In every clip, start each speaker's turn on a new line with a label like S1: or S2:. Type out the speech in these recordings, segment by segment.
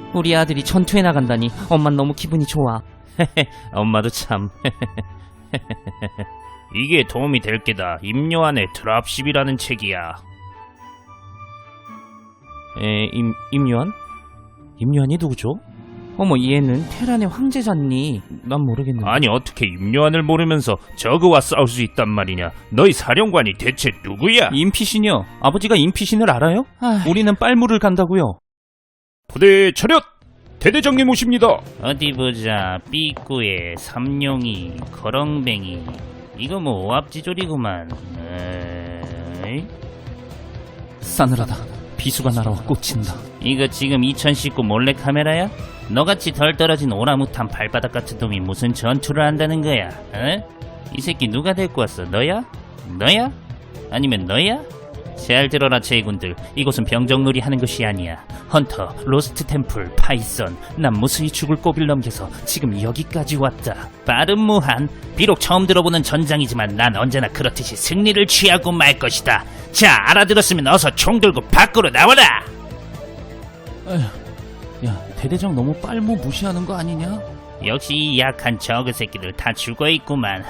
S1: 우리 아들이 전투에 나간다니 엄만 너무 기분이 좋아.
S2: 엄마도 참. 이게 도움이 될 게다. 임요한의 드랍십이라는 책이야.
S1: 임요한? 임요한이 누구죠? 어머, 얘는 테란의 황제잖니. 난 모르겠는데.
S2: 아니 어떻게 임요한을 모르면서 저그와 싸울 수 있단 말이냐. 너희 사령관이 대체 누구야?
S1: 임피신이요. 아버지가 임피신을 알아요? 우리는 빨무를 간다고요.
S2: 부대 차렷! 대대장님 오십니다.
S3: 어디 보자. 삐꾸에 삼룡이, 거렁뱅이. 이거 뭐 오합지졸이구만.
S1: 싸늘하다. 비수가 날아와 꽂힌다.
S3: 이거 지금 2019 몰래카메라야? 너같이 덜 떨어진 오라무탄 발바닥 같은 놈이 무슨 전투를 한다는 거야? 어? 이 새끼 누가 데리고 왔어? 너야? 너야? 아니면 너야? 잘 들어라 제군들. 이곳은 병정놀이 하는 것이 아니야. 헌터, 로스트 템플, 파이썬. 난 무수히 죽을 고비를 넘겨서 지금 여기까지 왔다. 빠른 무한. 비록 처음 들어보는 전장이지만 난 언제나 그렇듯이 승리를 취하고 말 것이다. 자, 알아들었으면 어서 총 들고 밖으로 나와라.
S1: 야, 대대장 너무 빨무 무시하는 거 아니냐?
S3: 역시 이 약한 저그 새끼들 다 죽어있구만.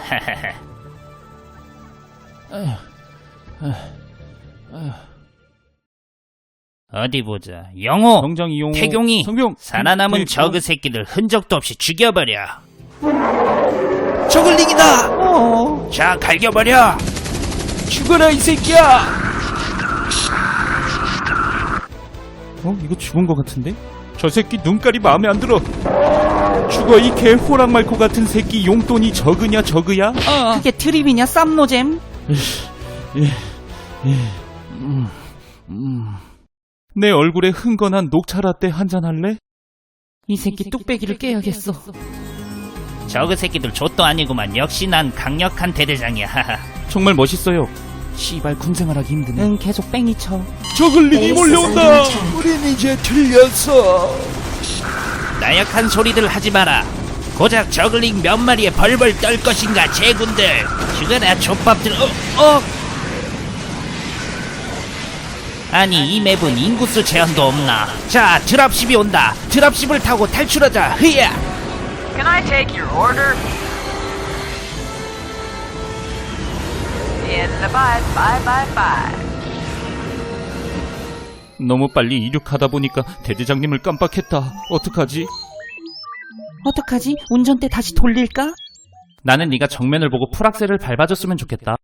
S3: 어디 보자. 영호,
S1: 정장 이용호,
S3: 태경이,
S1: 성병,
S3: 살아남은 저그 새끼들 흔적도 없이 죽여버려.
S1: 저글링이다!
S3: 자, 갈겨버려.
S1: 죽어라, 이 새끼야! 이거 죽은 거 같은데?
S2: 저 새끼 눈깔이 마음에 안 들어. 죽어 이 개 호랑말코 같은 새끼. 용돈이 저그냐 저그야?
S1: 그게 트립이냐, 쌈노잼?
S2: 내 얼굴에 흥건한 녹차라떼 한잔 할래?
S1: 이 새끼 뚝배기를 깨야겠어.
S3: 저그 새끼들 좆도 아니구만. 역시 난 강력한 대대장이야.
S2: 정말 멋있어요.
S1: 씨발 군생활하기 힘드네. 응, 계속 뺑이 쳐.
S2: 저글링이 몰려온다. 우린 이제 틀렸어.
S3: 나약한 소리들 하지 마라. 고작 저글링 몇 마리에 벌벌 떨 것인가 제군들. 죽어라 족밥들. 아니 이 맵은 인구수 제한도 없나. 자, 드랍십이 온다. 드랍십을 타고 탈출하자. 흐야.
S4: Can I take your order? In the 5.
S2: 너무 빨리 이륙하다 보니까 대대장님을 깜빡했다. 어떡하지?
S1: 어떡하지? 운전대 다시 돌릴까?
S2: 나는 네가 정면을 보고 풀악셀을 밟아줬으면 좋겠다.